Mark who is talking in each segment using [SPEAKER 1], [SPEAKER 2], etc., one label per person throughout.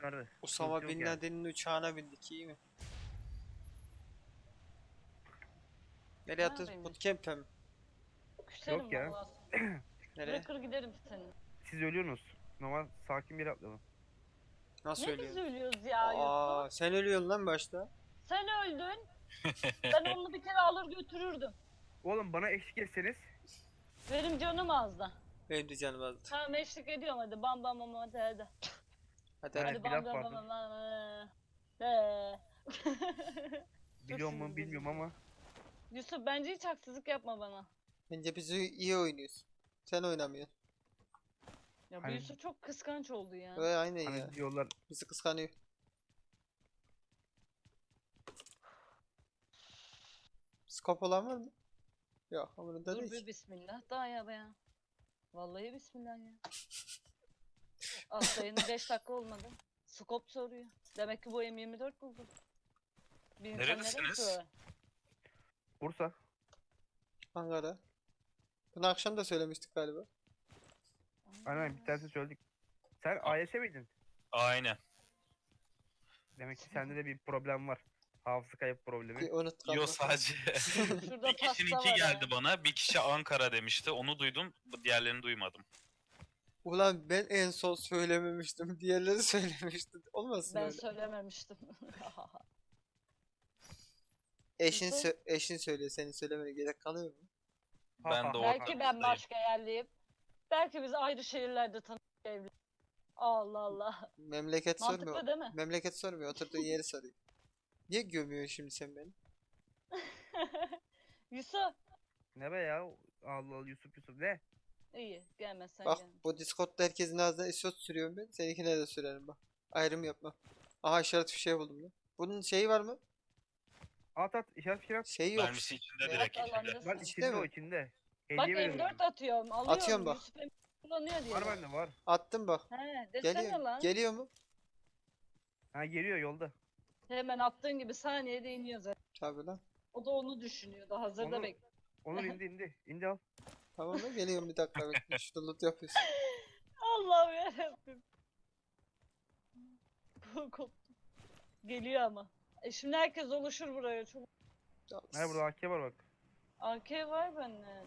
[SPEAKER 1] Nerede?
[SPEAKER 2] Osama
[SPEAKER 1] Sıkıntı yok
[SPEAKER 2] Bin
[SPEAKER 1] yani.
[SPEAKER 2] Laden'in uçağına bindik, iyi mi? Nereye
[SPEAKER 3] Ne
[SPEAKER 2] atıyoruz?
[SPEAKER 3] yapayım?
[SPEAKER 2] Bootcamp'e mi?
[SPEAKER 3] Küserim
[SPEAKER 1] Yok ya.
[SPEAKER 3] vallahi.
[SPEAKER 2] Nereye?
[SPEAKER 3] Bırakır giderim seni.
[SPEAKER 1] Siz ölüyorsunuz. Normal sakin bir yere atlayalım.
[SPEAKER 2] Nasıl
[SPEAKER 3] Ne biz
[SPEAKER 2] ölüyorsun?
[SPEAKER 3] ölüyoruz ya Yusuf?
[SPEAKER 2] Aa, sen ölüyorsun lan başta.
[SPEAKER 3] Sen öldün. Ben onu bir kere alır götürürdüm.
[SPEAKER 1] Oğlum bana eşlik etseniz.
[SPEAKER 3] Benim canım azdı.
[SPEAKER 2] Benim de canım azdı.
[SPEAKER 3] Tamam eşlik ediyorum hadi bam bam bam hadi hadi.
[SPEAKER 2] Hadi
[SPEAKER 1] Evet,
[SPEAKER 2] hadi.
[SPEAKER 3] Hadi
[SPEAKER 1] bir
[SPEAKER 3] bam
[SPEAKER 1] laf
[SPEAKER 3] bam bam
[SPEAKER 1] vardı.
[SPEAKER 3] bam bam.
[SPEAKER 1] Biliyor mu bilmiyorum ama.
[SPEAKER 3] Yusuf bence hiç haksızlık yapma bana.
[SPEAKER 2] Bence biz iyi oynuyoruz. Sen oynamıyorsun.
[SPEAKER 3] Ya bu
[SPEAKER 1] Hani-
[SPEAKER 3] Yusuf çok kıskanç oldu ya.
[SPEAKER 2] Öyle aynen ya.
[SPEAKER 1] Hani diyorlar
[SPEAKER 2] Bizi kıskanıyor. Skop olan var mı? Yok, umurunda
[SPEAKER 3] Dur
[SPEAKER 2] değil
[SPEAKER 3] bir
[SPEAKER 2] ki.
[SPEAKER 3] bismillah daha ya be ya. Vallahi bismillah ya. Atlayın 5 dakika olmadı. Skop soruyor. Demek ki bu M24 buldu. Bir insan neden
[SPEAKER 4] Nerelisiniz?
[SPEAKER 3] sorar?
[SPEAKER 1] Bursa.
[SPEAKER 2] Ankara. Bunu akşam da söylemiştik galiba.
[SPEAKER 1] Aynen bir tanesini söyledik. Sen AYS miydin?
[SPEAKER 4] Aynen.
[SPEAKER 1] Demek ki sende de bir problem var. Hafıza kayıp problemi.
[SPEAKER 2] Unuttuk.
[SPEAKER 4] Yo
[SPEAKER 2] Allah.
[SPEAKER 4] sadece
[SPEAKER 3] Şurada
[SPEAKER 4] bir kişinin
[SPEAKER 3] pasta
[SPEAKER 4] iki
[SPEAKER 3] var
[SPEAKER 4] geldi
[SPEAKER 3] ha.
[SPEAKER 4] bana. Bir kişi Ankara demişti. Onu duydum. Diğerlerini duymadım.
[SPEAKER 2] Ulan ben en son söylememiştim. Diğerleri söylemişti. Olmasın
[SPEAKER 3] Ben
[SPEAKER 2] öyle.
[SPEAKER 3] söylememiştim.
[SPEAKER 2] Eşin,
[SPEAKER 3] Nasıl?
[SPEAKER 2] eşin söylüyor. Senin söylemene gerek kalıyor mu?
[SPEAKER 1] Ha,
[SPEAKER 4] Ben
[SPEAKER 1] ha,
[SPEAKER 4] de
[SPEAKER 1] ha.
[SPEAKER 3] Belki ben
[SPEAKER 4] ortanızdayım.
[SPEAKER 3] başka yerliyim. Belki biz ayrı şehirlerde tanıştık evli. Allah Allah.
[SPEAKER 2] Memleket
[SPEAKER 3] Mantıklı
[SPEAKER 2] sormuyor.
[SPEAKER 3] değil mi?
[SPEAKER 2] Memleket sormuyor. Oturduğun yeri soruyor. Niye gömüyorsun şimdi sen beni?
[SPEAKER 3] Yusuf.
[SPEAKER 1] Ne be ya? Allah Allah Yusuf ne?
[SPEAKER 3] İyi gelmezsen
[SPEAKER 2] Bak
[SPEAKER 3] gelme.
[SPEAKER 2] bu Discord'da herkesin ağzına esot sürüyorum ben. Seninkine de sürerim bak. Ayrım yapma. Aha işaret fişeği buldum lan. Bunun şeyi var mı?
[SPEAKER 1] At işaret fişek at.
[SPEAKER 2] Şeyi yok.
[SPEAKER 4] Mermisi içinde
[SPEAKER 2] Ya,
[SPEAKER 4] direkt
[SPEAKER 3] Bak
[SPEAKER 4] içinde.
[SPEAKER 3] alandasın.
[SPEAKER 1] Lan
[SPEAKER 2] İçinde
[SPEAKER 1] içinde o
[SPEAKER 2] mi?
[SPEAKER 1] içinde.
[SPEAKER 3] Bak
[SPEAKER 1] Hediye veriyorum.
[SPEAKER 3] M4 atıyorum. Alıyorum.
[SPEAKER 2] Atıyorum bak.
[SPEAKER 3] Yusuf M4 kullanıyor diye.
[SPEAKER 1] Var bende var.
[SPEAKER 2] Attım bak.
[SPEAKER 3] He desene
[SPEAKER 2] Geliyor.
[SPEAKER 3] lan.
[SPEAKER 2] Geliyor mu?
[SPEAKER 1] Ha geliyor yolda.
[SPEAKER 3] Hemen attığın gibi saniyede iniyor zaten.
[SPEAKER 2] Tabii lan.
[SPEAKER 3] O da onu düşünüyordu. Hazırda
[SPEAKER 1] Onu-
[SPEAKER 3] bekliyor.
[SPEAKER 1] Onur indi. İndi al.
[SPEAKER 2] Tamam mı? Geliyorum bir dakika bekle. Şurada loot yapıyorsun.
[SPEAKER 3] Allah'ım yarabbim. Koptu. Geliyor ama. Şimdi herkes oluşur buraya. Çok...
[SPEAKER 1] Ha burada AK var bak.
[SPEAKER 3] AK var bende.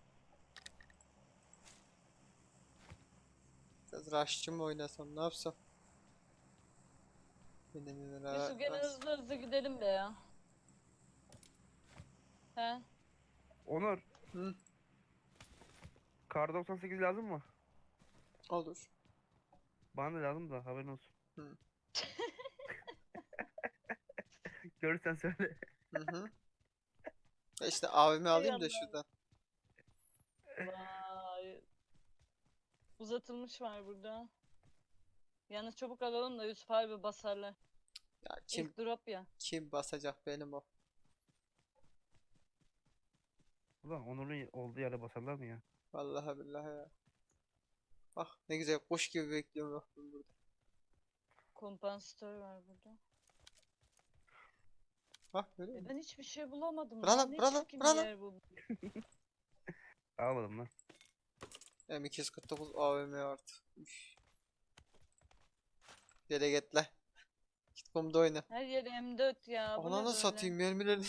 [SPEAKER 2] Biraz rush'çı mı oynasam ne yapsam?
[SPEAKER 3] Yusuf gene hızlı hızlı gidelim be ya. He?
[SPEAKER 1] Onur.
[SPEAKER 2] Hı,
[SPEAKER 1] Kar 98 lazım mı?
[SPEAKER 2] olur.
[SPEAKER 1] Bana da lazım da haberin olsun.
[SPEAKER 2] Hı.
[SPEAKER 1] Görürsen söyle.
[SPEAKER 2] Hı hı. İşte abimi alayım da
[SPEAKER 3] Allah'ım.
[SPEAKER 2] şuradan.
[SPEAKER 3] Vay. Uzatılmış var burada. Yalnız çabuk alalım da Yusuf harbi basarlar.
[SPEAKER 2] Ya kim
[SPEAKER 3] İlk drop ya.
[SPEAKER 2] kim basacak benim o?
[SPEAKER 1] Ulan Onur'un olduğu yere basarlar mı ya?
[SPEAKER 2] Vallahi billahi ya. Bak ne güzel kuş gibi bekliyorum bak ben burada.
[SPEAKER 3] Kompansatör var burada.
[SPEAKER 2] Bak görüyor musun?
[SPEAKER 3] Ben hiçbir şey bulamadım.
[SPEAKER 2] Bırak
[SPEAKER 3] lan.
[SPEAKER 2] lan,
[SPEAKER 3] Ne
[SPEAKER 2] bırak lan,
[SPEAKER 3] çirkin
[SPEAKER 2] bırak
[SPEAKER 3] bir
[SPEAKER 2] lan.
[SPEAKER 3] yer bu.
[SPEAKER 1] Almadım lan.
[SPEAKER 2] M249 AVM artı. Üf. Yere git lan. Git kumda oyna.
[SPEAKER 3] Her yer M4 ya. Bu ne
[SPEAKER 2] Ananı
[SPEAKER 3] böyle?
[SPEAKER 2] satayım mermilerini.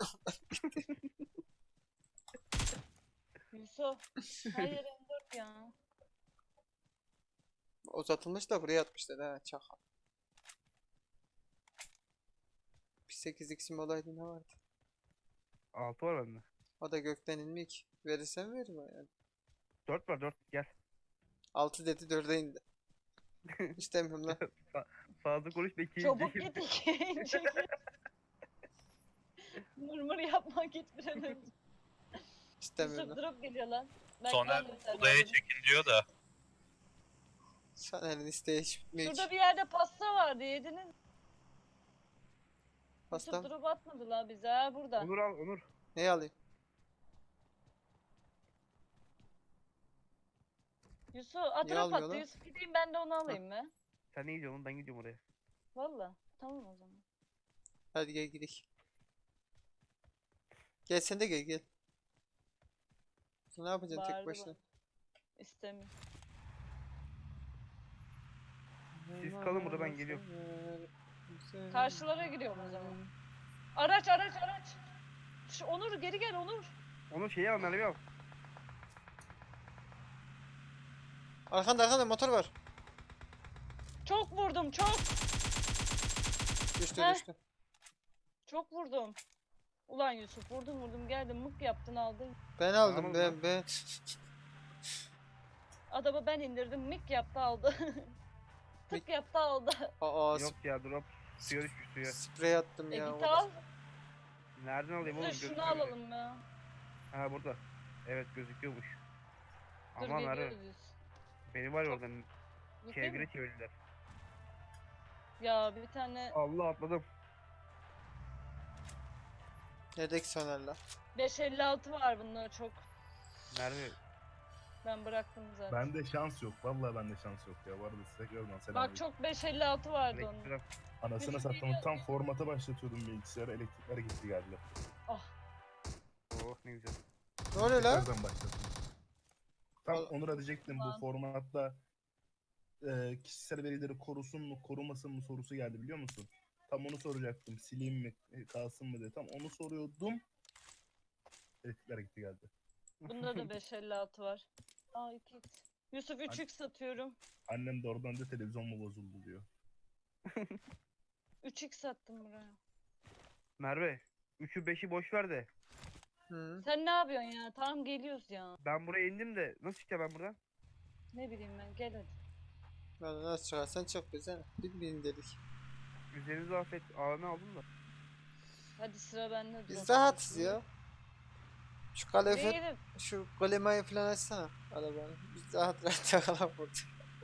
[SPEAKER 3] Yusuf. Her yer M4 ya.
[SPEAKER 2] Uzatılmış da buraya atmışlar ha çakal. Bir 8x'im olaydı ne vardı?
[SPEAKER 1] 6 var bende.
[SPEAKER 2] O da gökten inmiyor ki. Verirsem veririm yani.
[SPEAKER 1] 4 var 4 gel.
[SPEAKER 2] 6 dedi 4'e indi. İstemiyorum lan.
[SPEAKER 1] Fazla konuşma ikinci.
[SPEAKER 3] Çabuk git ikinci. Mırmır yapma git bir an önce.
[SPEAKER 2] İstemiyorum
[SPEAKER 3] Yusuf
[SPEAKER 2] lan.
[SPEAKER 3] drop geliyor lan. Ben
[SPEAKER 4] Soner
[SPEAKER 3] geldim sen
[SPEAKER 4] odaya
[SPEAKER 3] aldın.
[SPEAKER 4] çekin diyor da.
[SPEAKER 2] Saner'in isteği hiç bitmiyor
[SPEAKER 3] Şurada
[SPEAKER 2] ki.
[SPEAKER 3] bir yerde pasta vardı yediniz.
[SPEAKER 2] Pasta
[SPEAKER 3] Yusuf
[SPEAKER 2] mı?
[SPEAKER 3] drop atmadı la bize ha burada.
[SPEAKER 1] Onur al Onur.
[SPEAKER 2] Neyi alayım?
[SPEAKER 3] Yusuf at
[SPEAKER 2] Niye
[SPEAKER 3] drop
[SPEAKER 2] almıyor
[SPEAKER 3] attı.
[SPEAKER 2] lan?
[SPEAKER 3] Yusuf gideyim ben de onu alayım mı?
[SPEAKER 1] Sen ne gidiyorsun ben gidiyorum oraya.
[SPEAKER 3] Valla. Tamam o zaman.
[SPEAKER 2] Hadi gel gidelim. Gel sen de gel. Ne yapacaksın tek
[SPEAKER 3] Bağırdı
[SPEAKER 2] başına?
[SPEAKER 3] bana. İstemiyorum.
[SPEAKER 1] Siz kalın burada, ben geliyorum.
[SPEAKER 3] Karşılara gidiyorum o zaman. Araç araç araç. Onur geri gel Onur.
[SPEAKER 1] Onun şeyi al, Merve'yi al.
[SPEAKER 2] Arkanda motor var.
[SPEAKER 3] Çok vurdum çok.
[SPEAKER 2] Düştü
[SPEAKER 3] Heh.
[SPEAKER 2] düştü.
[SPEAKER 3] Çok vurdum. Ulan Yusuf vurdum geldim mık yaptın aldın.
[SPEAKER 2] Ben aldım
[SPEAKER 1] Tamam
[SPEAKER 2] ben.
[SPEAKER 3] Adamı ben indirdim mik yaptı aldı. Tık yaptı aldı.
[SPEAKER 2] Aa
[SPEAKER 1] Yok ya, drop. Suya düşmüş, suya.
[SPEAKER 2] sprey attım ya.
[SPEAKER 3] Git al.
[SPEAKER 1] Nereden alayım oğlum?
[SPEAKER 3] Dur şunu
[SPEAKER 1] Gözükmüyor bile.
[SPEAKER 3] alalım ya.
[SPEAKER 1] Ha, burada. Evet, gözüküyormuş.
[SPEAKER 3] Dur
[SPEAKER 1] Aman Merve.
[SPEAKER 3] geliyoruz biz.
[SPEAKER 1] Beni var ya
[SPEAKER 3] Çok-
[SPEAKER 1] oradan
[SPEAKER 3] Gittin mi?
[SPEAKER 1] çevire çevirdiler.
[SPEAKER 3] Ya bir tane
[SPEAKER 1] Allah, atladım.
[SPEAKER 2] Neredeki sonerler?
[SPEAKER 3] 556 var bunda çok.
[SPEAKER 1] Merve.
[SPEAKER 3] Ben bıraktım zaten.
[SPEAKER 5] Bende şans yok. Vallahi bende şans yok ya. Bu arada size tekrardan selam.
[SPEAKER 3] Bak çok 556 vardı onun.
[SPEAKER 1] Elektrik.
[SPEAKER 5] Anasını sattım. Tam formata başlatıyordum bilgisayarı. Elektrikler gitti geldi.
[SPEAKER 1] Oh, ne güzel.
[SPEAKER 2] Ne oluyor lan?
[SPEAKER 5] Tekrardan başlattım. Tam
[SPEAKER 2] Vallahi-
[SPEAKER 5] onu da diyecektim.
[SPEAKER 3] Ulan.
[SPEAKER 5] Bu formatta kişisel verileri korusun mu korumasın mı sorusu geldi biliyor musun? Tam onu soracaktım. Sileyim mi kalsın mı diye. Tam onu soruyordum. Elektrikler gitti geldi.
[SPEAKER 3] Bunda da 556 var. Aa 2x. Yusuf 3x satıyorum.
[SPEAKER 5] Annem de oradan da televizyon mu bozuldu diyor.
[SPEAKER 3] 3x sattım buraya.
[SPEAKER 1] Merve. 3'ü 5'i boş ver de.
[SPEAKER 2] Hı.
[SPEAKER 3] Sen ne yapıyorsun ya? Tamam geliyoruz ya.
[SPEAKER 1] Ben buraya indim de nasıl çıkacağım ben buradan?
[SPEAKER 3] Ne bileyim ben gel hadi.
[SPEAKER 2] Lan nasıl çıkarsan çık bize. Bilmeyin dedik.
[SPEAKER 1] Üzerinize affet. AVM aldım da.
[SPEAKER 3] Hadi sıra bende.
[SPEAKER 2] Biz
[SPEAKER 3] drop
[SPEAKER 2] rahatız
[SPEAKER 3] yapıyorum.
[SPEAKER 2] ya. Şu kalefe,
[SPEAKER 3] Değilim.
[SPEAKER 2] şu golemayı falan açsana arabanı. Biz rahat takalım burada.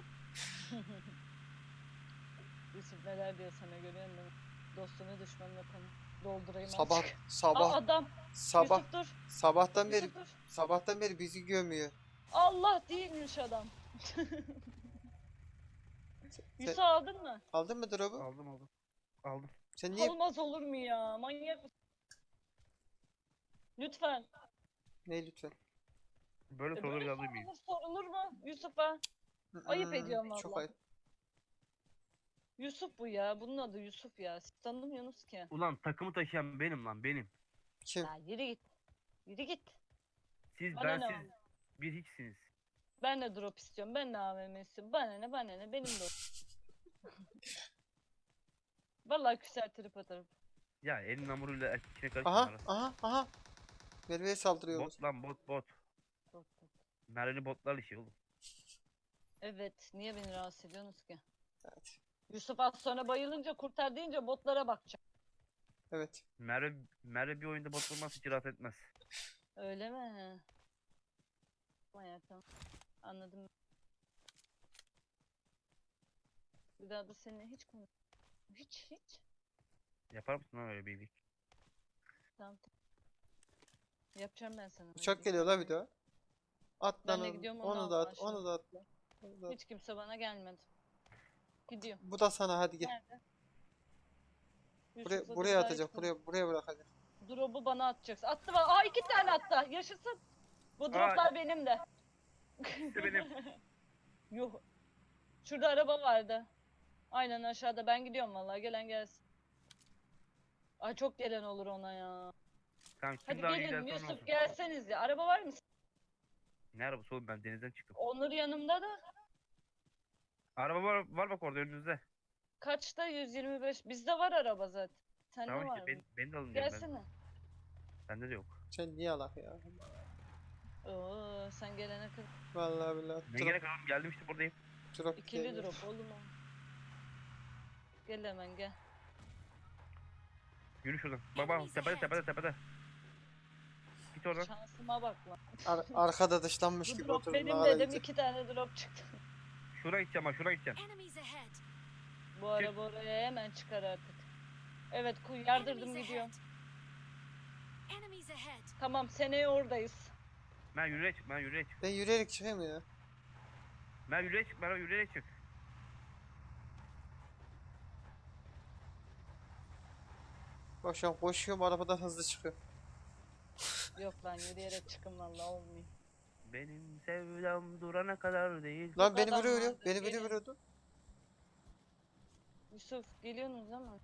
[SPEAKER 3] Yusuf neler diyor sana görüyor musun? Dostunu düşmanına tanı. Doldurayım
[SPEAKER 2] Sabah
[SPEAKER 3] azıcık. Aa,
[SPEAKER 2] sabah
[SPEAKER 3] adam.
[SPEAKER 2] sabah
[SPEAKER 3] Yusuf dur.
[SPEAKER 2] sabahtan beri
[SPEAKER 3] Yusuf dur.
[SPEAKER 2] sabahtan beri bizi gömüyor.
[SPEAKER 3] Allah değilmiş adam. Yusuf aldın mı?
[SPEAKER 2] Aldın mı drop'u?
[SPEAKER 1] Aldım. Aldım.
[SPEAKER 2] Sen niye
[SPEAKER 3] Olmaz olur mu ya? Manyak mısın? Lütfen.
[SPEAKER 2] ne lütfen?
[SPEAKER 1] Böyle soruları
[SPEAKER 3] Böyle
[SPEAKER 1] alayım mıyım?
[SPEAKER 3] sorulur mu Yusuf'a? Ayıp ediyorum
[SPEAKER 2] Çok
[SPEAKER 3] vallahi.
[SPEAKER 2] ayıp.
[SPEAKER 3] Yusuf bu ya. Bunun adı Yusuf ya. Siz tanımıyorsunuz ki.
[SPEAKER 1] Ulan takımı taşıyan benim lan, benim.
[SPEAKER 2] Kim?
[SPEAKER 3] Ya yürü git. Yürü git.
[SPEAKER 1] Siz,
[SPEAKER 3] Bana
[SPEAKER 1] ben
[SPEAKER 3] ne
[SPEAKER 1] siz
[SPEAKER 3] var?
[SPEAKER 1] bir hiçsiniz.
[SPEAKER 3] Ben de drop istiyorum. Ben de AVM istiyorum. Bana ne benim de o. Vallahi küser trip atarım.
[SPEAKER 1] Ya elin hamuruyla erkekine
[SPEAKER 2] Aha
[SPEAKER 1] karışma.
[SPEAKER 2] aha. Merve'ye saldırıyor.
[SPEAKER 1] Bot lan, bot.
[SPEAKER 3] Bot, bot.
[SPEAKER 1] Merve'li botlarla işi oğlum.
[SPEAKER 3] Evet. Niye beni rahatsız ediyorsunuz ki?
[SPEAKER 2] Evet.
[SPEAKER 3] Yusuf az sonra bayılınca kurtar deyince botlara bakacak.
[SPEAKER 2] Evet.
[SPEAKER 1] Merve bir oyunda bot olmaz, hiç rahat etmez.
[SPEAKER 3] Öyle mi? Tamam ya tamam. Anladım. Bir daha da seninle hiç konuş. Hiç.
[SPEAKER 1] Yapar mısın lan öyle bir iyilik?
[SPEAKER 3] Tamam. Yapacağım ben sana.
[SPEAKER 2] Uçak geliyor la bir daha. At
[SPEAKER 3] Ben
[SPEAKER 2] lan
[SPEAKER 3] de
[SPEAKER 2] onu.
[SPEAKER 3] gidiyorum, onu
[SPEAKER 2] Onu da
[SPEAKER 3] al
[SPEAKER 2] at.
[SPEAKER 3] aşağı.
[SPEAKER 2] Onu da at lan. Onu da at.
[SPEAKER 3] Hiç kimse bana gelmedi. Gidiyorum.
[SPEAKER 2] Bu da sana hadi gel.
[SPEAKER 3] Nerede?
[SPEAKER 2] Buraya
[SPEAKER 3] Yusuf'la
[SPEAKER 2] buraya
[SPEAKER 3] bir daha
[SPEAKER 2] atacak.
[SPEAKER 3] hiç konuş-
[SPEAKER 2] Buraya bırakacak.
[SPEAKER 3] Drop'u bana atacaksın. Attı bana. Aa 2 tane attı. Yaşasın. Bu droplar benim de.
[SPEAKER 1] İşte benim.
[SPEAKER 3] Yuh. Şurada araba vardı. Aynen aşağıda. Ben gidiyorum vallahi. Gelen gelsin. Ay çok gelen olur ona ya.
[SPEAKER 1] Tamam, kim
[SPEAKER 3] Hadi
[SPEAKER 1] daha iyi
[SPEAKER 3] gelin
[SPEAKER 1] giderse onun
[SPEAKER 3] Yusuf
[SPEAKER 1] olsun.
[SPEAKER 3] gelseniz ya. Araba var mı?
[SPEAKER 1] Ne arabası oğlum, ben denizden çıktım.
[SPEAKER 3] Onur yanımda da.
[SPEAKER 1] Araba var bak orada önünüzde.
[SPEAKER 3] Kaçta? 125. Bizde var araba zaten. Sende
[SPEAKER 1] Tamam
[SPEAKER 3] var
[SPEAKER 1] işte,
[SPEAKER 3] mı?
[SPEAKER 1] beni de alın diyorum ben.
[SPEAKER 3] Gelsene.
[SPEAKER 1] Bende de yok.
[SPEAKER 2] Sen niye alak ya?
[SPEAKER 3] Oo sen gelene kadar.
[SPEAKER 2] Vallahi billahi.
[SPEAKER 1] Ne gerek var oğlum, geldim işte buradayım.
[SPEAKER 2] Drop
[SPEAKER 3] İkili
[SPEAKER 2] geliyor.
[SPEAKER 3] drop oğlum o. Gel hemen gel.
[SPEAKER 1] Yürü şuradan. Bak tepede. Git oradan.
[SPEAKER 3] Şansıma bak lan.
[SPEAKER 2] Arkada dışlanmış
[SPEAKER 3] Bu
[SPEAKER 2] gibi
[SPEAKER 3] drop
[SPEAKER 2] oturdum.
[SPEAKER 3] benim
[SPEAKER 2] ağla
[SPEAKER 3] dedim
[SPEAKER 2] gidecek.
[SPEAKER 3] 2 tane drop çıktı.
[SPEAKER 1] Şuraya gideceğim bak, şuraya gideceğim.
[SPEAKER 6] Enemies ahead.
[SPEAKER 3] Bu araba oraya hemen çıkar artık. Evet yardırdım
[SPEAKER 6] Enemies
[SPEAKER 3] gidiyorum.
[SPEAKER 6] ahead. Enemies ahead.
[SPEAKER 3] Tamam seneye oradayız.
[SPEAKER 1] Ben yürüyerek çık, ben yürüyerek çık.
[SPEAKER 2] Ben yürüyerek çıkayım ya.
[SPEAKER 1] Ben yürüyerek çık, ben yürüyerek çık.
[SPEAKER 2] Bak şu an koşuyorum arabadan hızlı çıkıyorum.
[SPEAKER 3] Yok lan yürüyerek çıkın vallahi olmuyor.
[SPEAKER 1] Benim sevdam durana kadar değil.
[SPEAKER 2] Lan beni
[SPEAKER 3] adam
[SPEAKER 2] vuruyor.
[SPEAKER 3] vardı,
[SPEAKER 2] Beni biri
[SPEAKER 3] gelin.
[SPEAKER 2] vuruyordu.
[SPEAKER 3] Yusuf geliyorsunuz ama.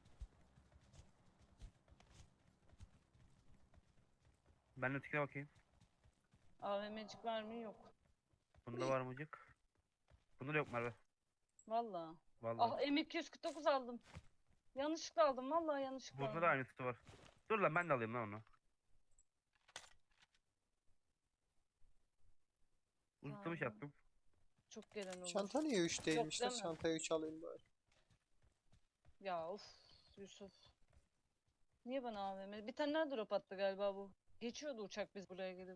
[SPEAKER 1] Ben ötekine bakayım.
[SPEAKER 3] AVM'cik var mı? Yok.
[SPEAKER 1] Bunda var mıcık? Bunda da yok Merve.
[SPEAKER 3] Vallahi.
[SPEAKER 1] Vallahi.
[SPEAKER 3] Ah M249 aldım. Yanlışlıkla aldım. Vallahi yanlışlıkla
[SPEAKER 1] Bunda
[SPEAKER 3] aldım.
[SPEAKER 1] da aynısı var. Dur lan ben de alayım lan onu. Uzatılmış
[SPEAKER 3] Tamam.
[SPEAKER 1] yaptım.
[SPEAKER 3] Çok gelen olur.
[SPEAKER 2] Çanta niye 3 değilmiş
[SPEAKER 3] değil
[SPEAKER 2] lan?
[SPEAKER 3] mi?
[SPEAKER 2] Çantayı 3 alayım bari.
[SPEAKER 3] Ya of Yusuf. Niye bana AVM? Bir tane daha drop attı galiba bu. Geçiyordu uçak biz buraya gelip.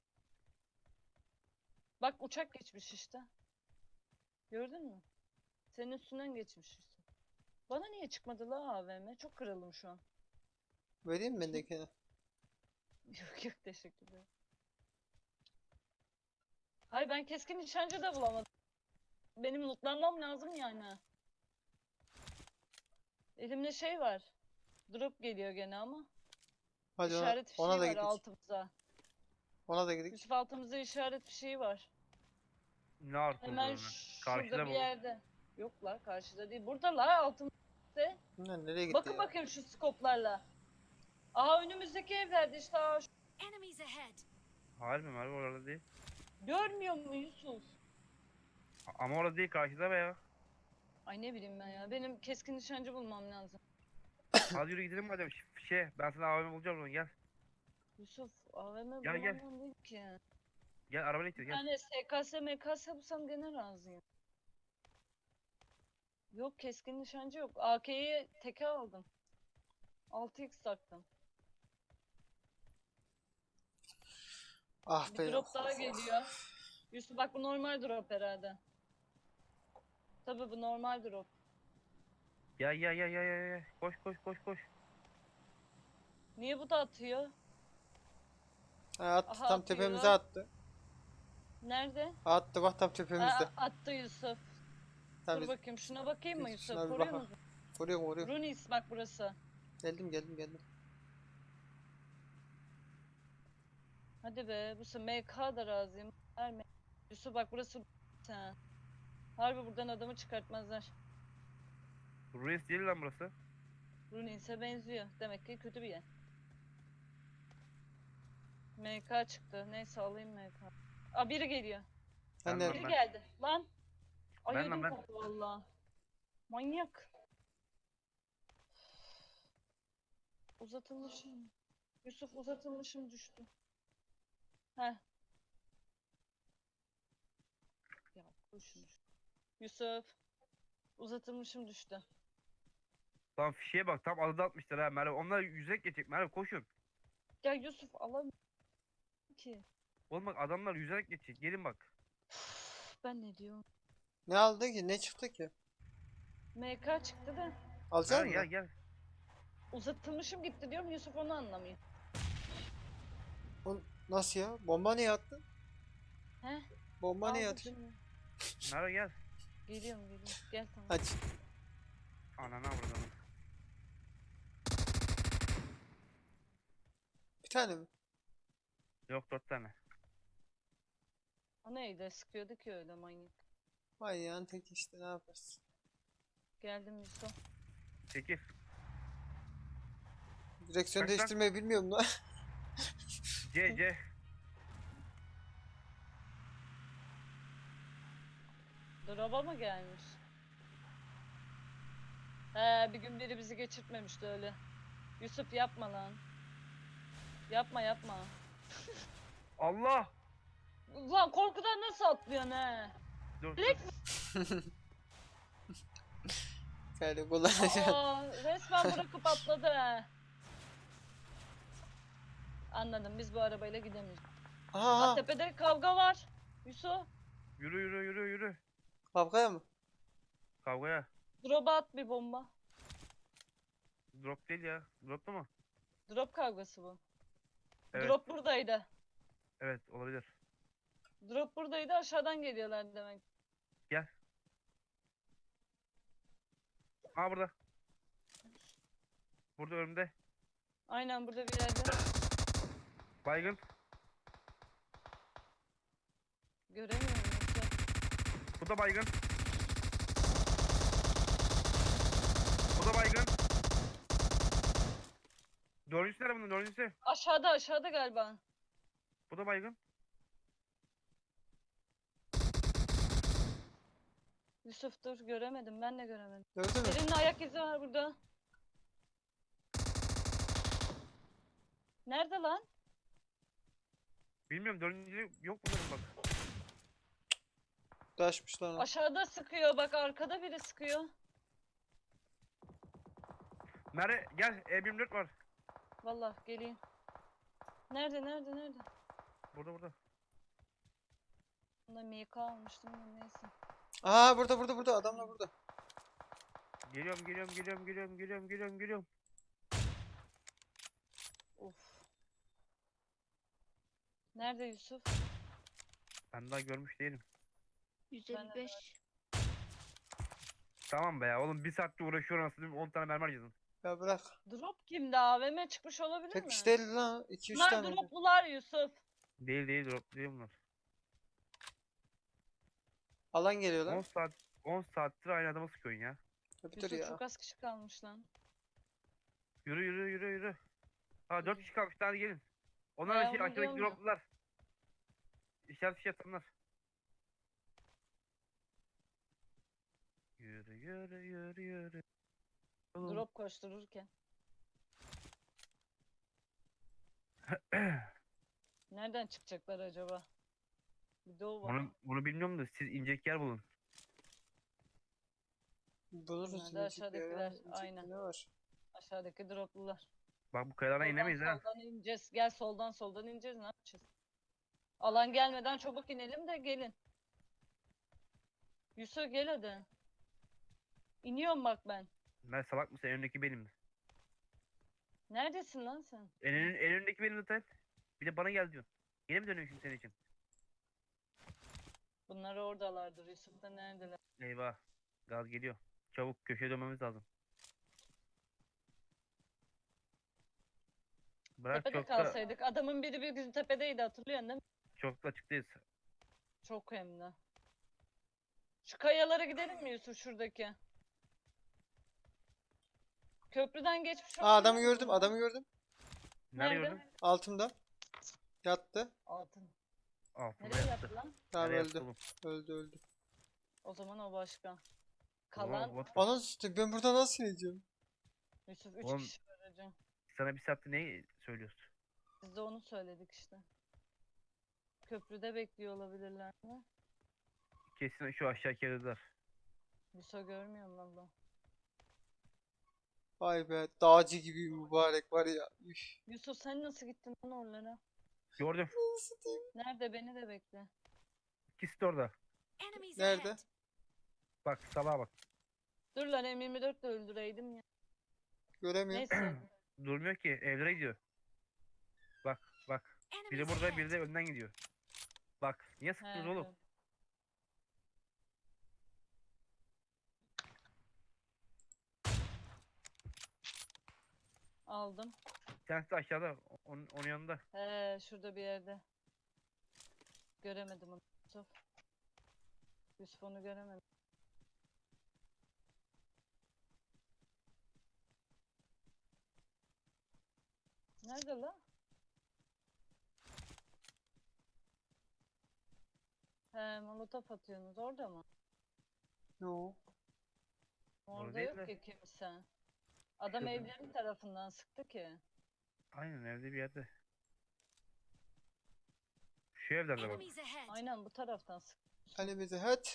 [SPEAKER 3] Bak uçak geçmiş işte. Gördün mü? Senin üstünden geçmiş işte. Bana niye çıkmadı la AVM? Çok kırıldım şu an.
[SPEAKER 2] Vereyim mi bendekini?
[SPEAKER 3] Yok yok teşekkür ederim. Hayır ben keskin nişancı da bulamadım. Benim lootlanmam lazım yani. Elimde şey var. Drop geliyor gene ama.
[SPEAKER 2] Hadi
[SPEAKER 3] İşaret fişeği
[SPEAKER 2] ona da
[SPEAKER 3] var
[SPEAKER 2] gidelim.
[SPEAKER 3] altımıza.
[SPEAKER 2] Ona da gidelim.
[SPEAKER 3] Yusuf altımızda işaret fişeği var.
[SPEAKER 1] Ne artık
[SPEAKER 3] Hemen
[SPEAKER 1] şurada
[SPEAKER 3] şurada bir
[SPEAKER 1] bu.
[SPEAKER 3] yerde. Yok la karşıda değil. Burada la altımızda.
[SPEAKER 2] Bunlar nereye gitti
[SPEAKER 3] Bakın
[SPEAKER 2] ya?
[SPEAKER 3] bakayım şu skoplarla. Aha önümüzdeki evlerde işte. Aa,
[SPEAKER 6] Enemies ahead.
[SPEAKER 1] Hayır mı Merve orada değil.
[SPEAKER 3] görmüyor mu Yusuf?
[SPEAKER 1] Ama orada değil karşıda be ya.
[SPEAKER 3] Ay ne bileyim ben ya. Benim keskin nişancı bulmam lazım.
[SPEAKER 1] Hadi yürü gidelim madem. Ben sana AVM bulacağım onu gel.
[SPEAKER 3] Yusuf AVM
[SPEAKER 1] Gel, gel.
[SPEAKER 3] bulamam değil ki.
[SPEAKER 1] Gel arabayla git
[SPEAKER 3] Bir
[SPEAKER 1] gel.
[SPEAKER 3] tane SKS MKS bulsam gene razıyım. Yok keskin nişancı yok. AK'yi teke aldım. 6x taktım.
[SPEAKER 2] Ah
[SPEAKER 3] Bir
[SPEAKER 2] be.
[SPEAKER 3] drop daha geliyor. Yusuf bak bu normal drop herhalde. Tabii bu normal drop.
[SPEAKER 1] Gel. Koş.
[SPEAKER 3] Niye bu da atıyor?
[SPEAKER 2] Ha, attı
[SPEAKER 3] Aha,
[SPEAKER 2] tam
[SPEAKER 3] atıyor.
[SPEAKER 2] tepemize attı.
[SPEAKER 3] Nerede?
[SPEAKER 2] Attı bak tam tepemizde.
[SPEAKER 3] Attı Yusuf.
[SPEAKER 2] Tamam,
[SPEAKER 3] Dur bakayım şuna bakayım mı
[SPEAKER 2] biz
[SPEAKER 3] Yusuf?
[SPEAKER 2] şuna bir
[SPEAKER 3] Koruyor
[SPEAKER 2] bakalım.
[SPEAKER 3] musun?
[SPEAKER 2] Vuruyorum.
[SPEAKER 3] Runis bak burası.
[SPEAKER 2] Geldim.
[SPEAKER 3] Hadi be bu MK da razıyım. Verme. Yusuf bak burası sen. Harbi buradan adamı çıkartmazlar.
[SPEAKER 1] Ruiz değil lan burası.
[SPEAKER 3] Runis'e benziyor. Demek ki kötü bir yer. MK çıktı. Neyse alayım MK. Aa biri geliyor.
[SPEAKER 2] Ben
[SPEAKER 1] Ben
[SPEAKER 2] de
[SPEAKER 3] Biri geldi. Lan. Ay
[SPEAKER 1] Ben lan,
[SPEAKER 3] ödüm
[SPEAKER 1] ben.
[SPEAKER 3] koptu valla. Manyak. Uzatılmışım. Yusuf uzatılmışım düştü. Heh. Ya koşun. Yusuf. Uzatılmışım düştü.
[SPEAKER 1] Lan fişeye bak tam alıda atmışlar ha Merve. Onlar yüzek geçecek Merve koşun.
[SPEAKER 3] Ya Yusuf alamıyorum ki.
[SPEAKER 1] Oğlum bak adamlar yüzerek geçecek. Gelin bak.
[SPEAKER 3] Ben ne diyorum?
[SPEAKER 2] ne aldı ki? Ne çıktı ki?
[SPEAKER 3] MK çıktı da.
[SPEAKER 2] Alacak
[SPEAKER 1] Merve
[SPEAKER 2] mısın?
[SPEAKER 1] gel.
[SPEAKER 3] Uzatılmışım gitti diyorum Yusuf onu anlamıyor.
[SPEAKER 2] Nasıl ya? Bomba niye attın?
[SPEAKER 3] He?
[SPEAKER 2] Bomba niye
[SPEAKER 3] Aldım
[SPEAKER 2] atıyorsun?
[SPEAKER 3] şimdi.
[SPEAKER 1] Merve gel.
[SPEAKER 3] Geliyorum. Gel tamam.
[SPEAKER 2] Hadi.
[SPEAKER 1] Anana vurdum.
[SPEAKER 2] Bir tane mi?
[SPEAKER 1] Yok 4 tane.
[SPEAKER 3] O neydi? Sıkıyordu ki öyle manyak.
[SPEAKER 2] Vay yani tek işte ne yaparsın?
[SPEAKER 3] Geldim Yusuf.
[SPEAKER 1] 8.
[SPEAKER 2] Direksiyon
[SPEAKER 1] Kaç lan?
[SPEAKER 2] değiştirmeyi bilmiyorum lan.
[SPEAKER 1] C.
[SPEAKER 3] Drop'a mı gelmiş? He bir gün biri bizi geçirtmemişti öyle. Yusuf yapma lan. Yapma.
[SPEAKER 1] Allah.
[SPEAKER 3] Ulan korkudan nasıl atlıyorsun he?
[SPEAKER 1] Dur.
[SPEAKER 3] Direkt
[SPEAKER 2] Yani kullanacaksın.
[SPEAKER 3] resmen bırakıp atladı he. Anladım biz bu arabayla gidemeyiz.
[SPEAKER 2] Aha.
[SPEAKER 3] Tepede kavga var. Yusuf
[SPEAKER 1] Yürü.
[SPEAKER 2] Kavgaya mı?
[SPEAKER 1] Kavgaya.
[SPEAKER 3] drop'a at bir bomba.
[SPEAKER 1] Drop değil ya. Drop'tu mu?
[SPEAKER 3] Drop kavgası bu.
[SPEAKER 1] Evet.
[SPEAKER 3] Drop buradaydı.
[SPEAKER 1] Evet olabilir.
[SPEAKER 3] Drop buradaydı aşağıdan geliyorlar demek.
[SPEAKER 1] Aa burada. Burada önümde.
[SPEAKER 3] Aynen burada bir yerde.
[SPEAKER 1] Baygın.
[SPEAKER 3] Göremiyorum Yusuf.
[SPEAKER 1] Bu da baygın. Bu da baygın. Dördüncüsü nerede bunun dördüncüsü?
[SPEAKER 3] Aşağıda galiba.
[SPEAKER 1] Bu da baygın.
[SPEAKER 3] Yusuf dur göremedim, ben de göremedim.
[SPEAKER 2] Gördün mü?
[SPEAKER 3] Birinin ayak izi var burada. Nerede lan?
[SPEAKER 1] Bilmiyorum dördüncü yok bunların bak.
[SPEAKER 2] Taşmış lan o.
[SPEAKER 3] Aşağıda sıkıyor, bak arkada biri sıkıyor.
[SPEAKER 1] Nerede? Gel E24 var.
[SPEAKER 3] Vallahi geleyim. Nerede?
[SPEAKER 1] Burada.
[SPEAKER 3] Bunda MK almıştım da neyse.
[SPEAKER 2] Aa burada adamlar burada.
[SPEAKER 1] Geliyorum.
[SPEAKER 3] Of. Nerede Yusuf?
[SPEAKER 1] Ben daha görmüş değilim.
[SPEAKER 6] 155.
[SPEAKER 1] Tamam be ya oğlum bir saatte uğraşıyorum aslında 10 tane mermi harcadın.
[SPEAKER 2] Ya bırak.
[SPEAKER 3] Drop kimde? AVM çıkmış olabilir
[SPEAKER 2] Tek
[SPEAKER 3] mi?
[SPEAKER 2] kişi değil lan. 2-3
[SPEAKER 3] Bunlar
[SPEAKER 2] tane.
[SPEAKER 3] droplular Yusuf.
[SPEAKER 1] Değil drop değil bunlar.
[SPEAKER 2] Alan geliyor
[SPEAKER 1] 10
[SPEAKER 2] lan.
[SPEAKER 1] saat 10 saattir aynı adama sıkıyorsun ya.
[SPEAKER 2] Tabii dur
[SPEAKER 3] Yusuf
[SPEAKER 2] ya.
[SPEAKER 3] çok az kişi kalmış lan.
[SPEAKER 1] Yürü. Ha 4 kişi kalmış hadi gelin. Onlar
[SPEAKER 3] Ya,
[SPEAKER 1] da şey
[SPEAKER 3] onu
[SPEAKER 1] aşağıdaki
[SPEAKER 3] diyorum ya.
[SPEAKER 1] droplular. İşaret fişi atanlar. Yürü. Oğlum,
[SPEAKER 3] Drop koştururken. Nereden çıkacaklar acaba? Bir de o var.
[SPEAKER 1] Bunu bilmiyorum da siz inecek yer bulun.
[SPEAKER 2] Buluruz.
[SPEAKER 3] Bunlar da
[SPEAKER 2] inecek yer
[SPEAKER 3] aşağıdakiler,
[SPEAKER 2] ya, inecek
[SPEAKER 3] aynen.
[SPEAKER 2] ne var?
[SPEAKER 3] Aşağıdaki droplular.
[SPEAKER 1] Bak bu kayalardan inemeyiz ha.
[SPEAKER 3] Soldan ineceğiz. Gel soldan ineceğiz. Ne yapacağız? Alan gelmeden çabuk inelim de gelin. Yusuf gel hadi. İniyorum bak ben.
[SPEAKER 1] Ben salak mısın? En öndeki benim.
[SPEAKER 3] Neredesin lan sen?
[SPEAKER 1] En önündeki benim zaten. Bir de bana gel diyorsun. Yine mi dönüyorum şimdi senin için?
[SPEAKER 3] Bunlar oradalardır. Yusuf da neredeler?
[SPEAKER 1] Eyvah. Gaz geliyor. Çabuk köşeye dönmemiz lazım. Bırak
[SPEAKER 3] Tepede
[SPEAKER 1] çok da,
[SPEAKER 3] kalsaydık. Adamın biri bir gün tepedeydi, hatırlıyorsun değil mi?
[SPEAKER 1] çok da açıktayız.
[SPEAKER 3] Çok hem de. Şu kayalara gidelim mi Yusuf, şuradaki? Köprüden geçmiş
[SPEAKER 2] Aa adamı
[SPEAKER 3] olabilir mi
[SPEAKER 2] gördüm.
[SPEAKER 3] bunlar?
[SPEAKER 2] Adamı gördüm.
[SPEAKER 1] Nerede
[SPEAKER 3] Nerede?
[SPEAKER 1] gördün?
[SPEAKER 2] Altımda. Yattı.
[SPEAKER 3] Altın.
[SPEAKER 1] Altında
[SPEAKER 3] Nereye
[SPEAKER 1] yattı.
[SPEAKER 3] yattı lan?
[SPEAKER 2] Tamam
[SPEAKER 1] Nereye
[SPEAKER 2] öldü.
[SPEAKER 1] yattı oğlum?
[SPEAKER 2] Öldü.
[SPEAKER 3] O zaman o başka.
[SPEAKER 1] Oğlum,
[SPEAKER 3] Kalan
[SPEAKER 1] what the-
[SPEAKER 2] Anasını satayım, ben burada nasıl ineceğim?
[SPEAKER 3] Yusuf 3
[SPEAKER 1] Oğlum-
[SPEAKER 3] kişi aracı.
[SPEAKER 1] Sana bir saatte ne söylüyorsun?
[SPEAKER 3] Biz de onu söyledik işte. Köprüde bekliyor olabilirler mi?
[SPEAKER 1] Kesin şu aşağı keriler.
[SPEAKER 3] Yusuf görmüyorum valla.
[SPEAKER 2] Vay be, dağcı gibi mübarek var ya. Üf.
[SPEAKER 3] Yusuf sen nasıl gittin lan oralara?
[SPEAKER 1] Gördüm.
[SPEAKER 2] Nasıl diyeyim?
[SPEAKER 3] Nerede, beni de bekle.
[SPEAKER 1] İkisi de orada.
[SPEAKER 6] Enemies
[SPEAKER 2] Nerede?
[SPEAKER 6] ahead.
[SPEAKER 1] Bak salağa bak.
[SPEAKER 3] Dur lan, M24 de öldüreydim ya.
[SPEAKER 2] Göremiyorum.
[SPEAKER 3] Neyse.
[SPEAKER 1] Durmuyor ki evlere gidiyor. Bak. Biri
[SPEAKER 6] Enemies
[SPEAKER 1] burada
[SPEAKER 6] ahead.
[SPEAKER 1] biri de önden gidiyor. Bak niye sıktınız
[SPEAKER 3] He,
[SPEAKER 1] oğlum?
[SPEAKER 3] dur. Aldım.
[SPEAKER 1] Bir tanesi de aşağıda. Onun yanında.
[SPEAKER 3] He, şurada bir yerde. Göremedim onu. Yusuf. Yusuf onu göremedim. Nerede la? He, molotof atıyorsunuz orada mı?
[SPEAKER 2] Yo.
[SPEAKER 3] Orada
[SPEAKER 1] değil
[SPEAKER 3] yok
[SPEAKER 1] de.
[SPEAKER 3] ki kimse. Adam
[SPEAKER 1] Şurada.
[SPEAKER 3] evlerin tarafından sıktı ki.
[SPEAKER 1] Aynen evde bir yerde. Şu evlerde bak.
[SPEAKER 6] Enemies ahead.
[SPEAKER 3] Aynen bu taraftan sıktı.
[SPEAKER 2] Kalemize hadi.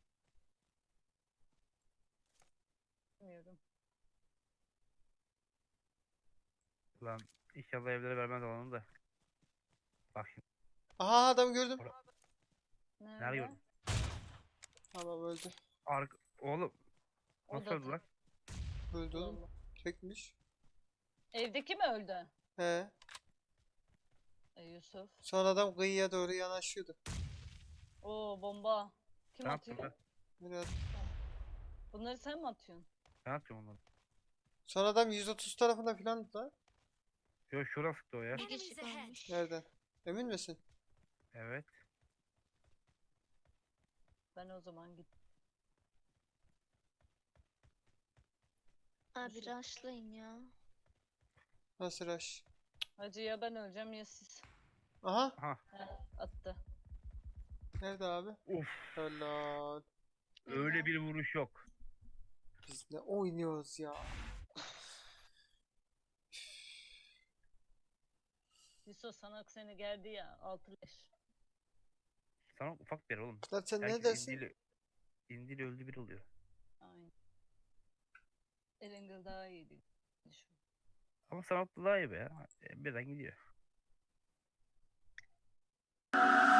[SPEAKER 3] Bilmiyorum.
[SPEAKER 1] Lan inşallah evlere vermez alanı da. Bak şimdi.
[SPEAKER 2] Aha adam gördüm.
[SPEAKER 3] Nerede?
[SPEAKER 1] gördün?
[SPEAKER 2] Tamam öldü.
[SPEAKER 1] Oğlum
[SPEAKER 3] O
[SPEAKER 1] nasıl
[SPEAKER 3] da
[SPEAKER 1] öldü lan?
[SPEAKER 2] Öldü oğlum.
[SPEAKER 3] Allah.
[SPEAKER 2] Çekmiş.
[SPEAKER 3] Evdeki mi öldü?
[SPEAKER 2] He.
[SPEAKER 3] Yusuf.
[SPEAKER 2] Sonra adam kıyıya doğru yanaşıyordu.
[SPEAKER 3] Oo, bomba. Kim
[SPEAKER 1] Ne yaptın
[SPEAKER 3] atıyor?
[SPEAKER 1] lan?
[SPEAKER 2] Böyle
[SPEAKER 3] Bunları sen mi atıyorsun?
[SPEAKER 1] Ne yapıyorsun onları?
[SPEAKER 2] Sonra adam 130 tarafında filan da.
[SPEAKER 1] Yo şuradan sıktı o ya.
[SPEAKER 6] Enemies
[SPEAKER 7] kişi
[SPEAKER 6] ahead.
[SPEAKER 7] kalmış.
[SPEAKER 2] Nereden? Emin misin?
[SPEAKER 1] Evet.
[SPEAKER 3] Ben o zaman git.
[SPEAKER 6] Abi
[SPEAKER 3] Nasıl?
[SPEAKER 6] rushlayın ya.
[SPEAKER 2] Nasıl rush?
[SPEAKER 3] Hacı ya ben öleceğim ya siz.
[SPEAKER 2] Aha.
[SPEAKER 1] Aha.
[SPEAKER 3] Attı.
[SPEAKER 2] Nerede abi?
[SPEAKER 1] Uf.
[SPEAKER 2] Helal.
[SPEAKER 1] Öyle bir vuruş yok.
[SPEAKER 2] Biz ne oynuyoruz ya?
[SPEAKER 3] Yusuf sana seni geldi ya 6 leş.
[SPEAKER 1] Sana ufak bir yer oğlum.
[SPEAKER 2] Lan sen ne
[SPEAKER 1] Herkes
[SPEAKER 2] dersin?
[SPEAKER 1] indiyle öldü bir oluyor.
[SPEAKER 3] Aynen. Erengel daha iyiydi.
[SPEAKER 1] Ama sanatlı daha iyi be ya. Birden gidiyor.